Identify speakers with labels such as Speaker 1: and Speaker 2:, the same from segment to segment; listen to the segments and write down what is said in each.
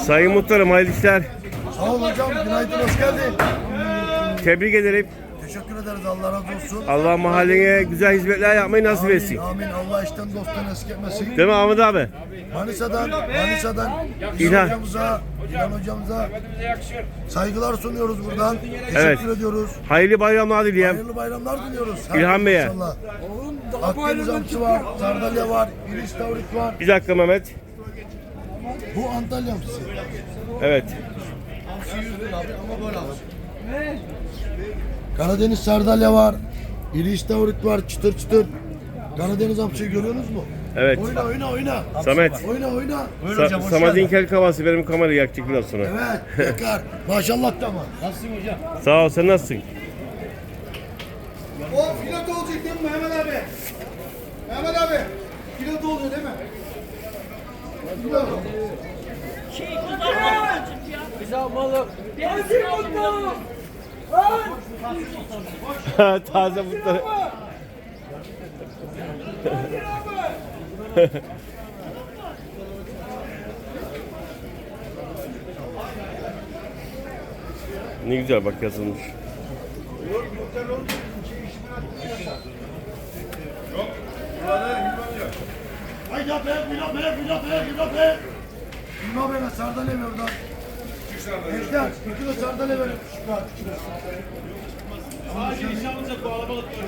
Speaker 1: Sayın Muhtarım hayırlı işler.
Speaker 2: Sağ ol hocam, günaydın, hoş geldin.
Speaker 1: Tebrik ederim.
Speaker 2: Teşekkür ederiz, Allah razı olsun.
Speaker 1: Allah mahallene güzel hizmetler yapmayı nasip
Speaker 2: Amin,
Speaker 1: etsin.
Speaker 2: amin. Allah işten dosttan eski etmesin.
Speaker 1: Değil mi Ahmet abi?
Speaker 2: Manisa'dan
Speaker 1: İlhan.
Speaker 2: İlhan hocamıza saygılar sunuyoruz buradan. Teşekkür
Speaker 1: Evet.
Speaker 2: ediyoruz.
Speaker 1: Hayırlı bayramlar dileyim.
Speaker 2: Hayırlı bayramlar diliyoruz.
Speaker 1: İlhan Bey'e.
Speaker 2: İnşallah. Akdeniz hamsi var, sardalya var, iris tavrik var.
Speaker 1: Bir dakika Mehmet.
Speaker 2: Bu Antalya hamsisi.
Speaker 1: Evet.
Speaker 2: Karadeniz sardalya var, iris tavrik var, çıtır çıtır. Karadeniz hamsiyi görüyorsunuz mu?
Speaker 1: Evet.
Speaker 2: Oyna.
Speaker 1: Samet.
Speaker 2: Oyna.
Speaker 1: Samet'in kel kavası benim kamerayı yakacak biraz sonra.
Speaker 2: Evet, yakar. Maşallah da ama. Nasılsın hocam?
Speaker 1: Sağ ol, sen nasılsın?
Speaker 3: O pilot olacak değil mi Mehmet abi? Mehmet abi, pilot oluyor değil mi?
Speaker 1: Taze mutları. Ne güzel bak yazılmış.
Speaker 2: Haydi be. Bilmem ben sardalya ver oradan. Ejder, bir kilo sardalya verin.
Speaker 4: Sadece iş alınacak bu alabalık var.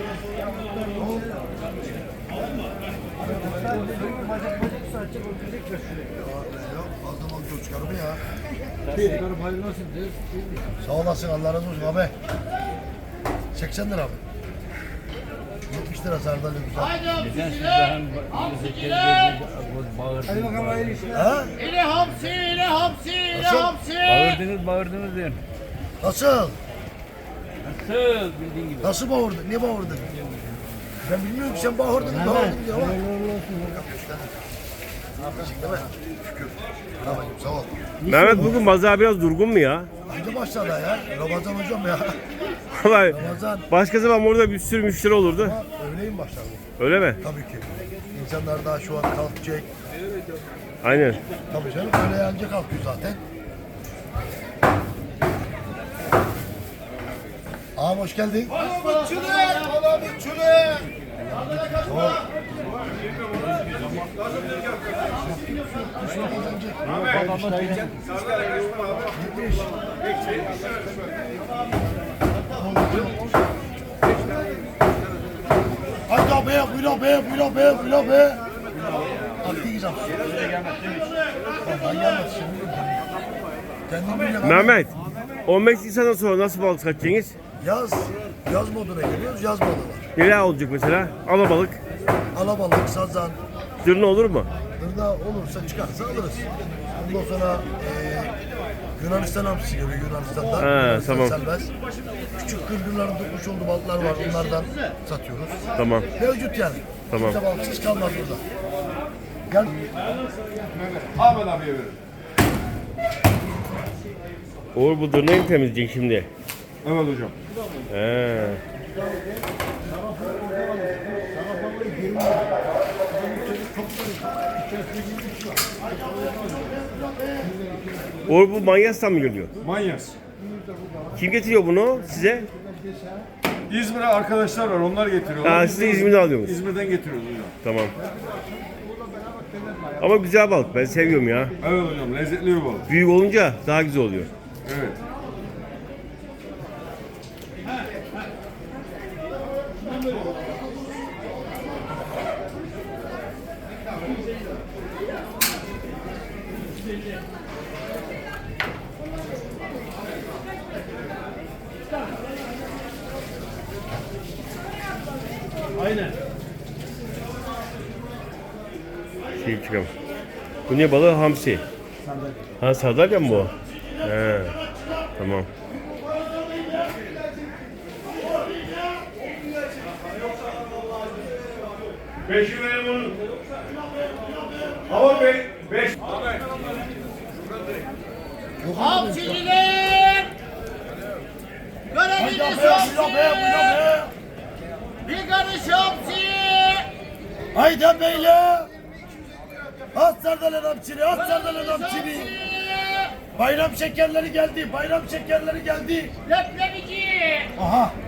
Speaker 2: Yok, fazla balık çıkar mı ya? Sağ olasın, Allah razı olsun abi. 80 lira abi. 70 lira sardalya güzel.
Speaker 3: Hadi bakalım hayırlı işler.
Speaker 2: Ha?
Speaker 5: İle hamsi.
Speaker 4: Bağırdınız diyorum.
Speaker 2: Nasıl?
Speaker 4: Nasıl bildiğin gibi.
Speaker 2: Nasıl bağırdın? Niye bağırdın? Ben bilmiyorum ki sen bağırdın diye ama. Değil mi? Şükür. Tamam, sağ ol.
Speaker 1: Mehmet bugün pazar biraz durgun mu ya?
Speaker 2: Hangi başladı ya? Ramazan hocam ya.
Speaker 1: Vallahi
Speaker 2: Ramazan.
Speaker 1: başka zaman burada bir sürü müşteri olurdu.
Speaker 2: Ama öğleyin başladı.
Speaker 1: Öyle mi?
Speaker 2: Tabii ki. İnsanlar daha şu an kalkacak.
Speaker 1: Aynen.
Speaker 2: Tabii canım, öyle yanca kalkıyor zaten. Ağam hoş geldin. Haydi be, buyur be. Aklı güzel. Vallahi gelmedi şimdi. Kendim bilmiyorum.
Speaker 1: Mehmet, 15 Nisan'dan sonra nasıl balık satacaksınız?
Speaker 2: Yaz moduna geliyoruz, yaz modu var.
Speaker 1: Neler olacak mesela? Alabalık,
Speaker 2: Alabalık, sazan,
Speaker 1: zırna olur mu?
Speaker 2: Burada olursa çıkarsa alırız. Ondan sonra Yunanistan hamsisi geliyor Yunanistan'dan.
Speaker 1: He,
Speaker 2: Yunanistan
Speaker 1: tamam.
Speaker 2: serbest. Küçük kırgınların tutmuş olduğu balıklar var. Onlardan satıyoruz.
Speaker 1: Tamam.
Speaker 2: Mevcut yani.
Speaker 1: Tamam.
Speaker 2: Kimse balıksız kalmaz burada. Gel.
Speaker 3: Ahmet abiye verin.
Speaker 1: Uğur bu dırnağı mı temizleyecek şimdi?
Speaker 3: Evet hocam.
Speaker 1: He. Uğur bu Manyas'tan mı geliyor?
Speaker 3: Manyas.
Speaker 1: Kim getiriyor bunu size?
Speaker 3: İzmir'e arkadaşlar var, onlar getiriyorlar.
Speaker 1: Ha, siz de İzmir'den alıyorsunuz.
Speaker 3: İzmir'den getiriyoruz hocam.
Speaker 1: Tamam. Ama güzel balık, ben seviyorum ya.
Speaker 3: Evet hocam, lezzetli bir balık.
Speaker 1: Büyük olunca daha güzel oluyor.
Speaker 3: Evet.
Speaker 4: Aynen.
Speaker 1: Şey çıkalım. Bu ne balığı? Hamsi. Ha, sardalya mı bu? He. Tamam.
Speaker 3: Beşi verin bunu. Hava Bey, beş.
Speaker 5: Hamsiler! Görebiliriz hamsi! Bir karış hamsi!
Speaker 2: Haydi beyle. At sardalya hamsini, at sardalya hamsini. Bayram şekerleri geldi. Bayram şekerleri geldi.
Speaker 5: Leblebici.
Speaker 2: Aha.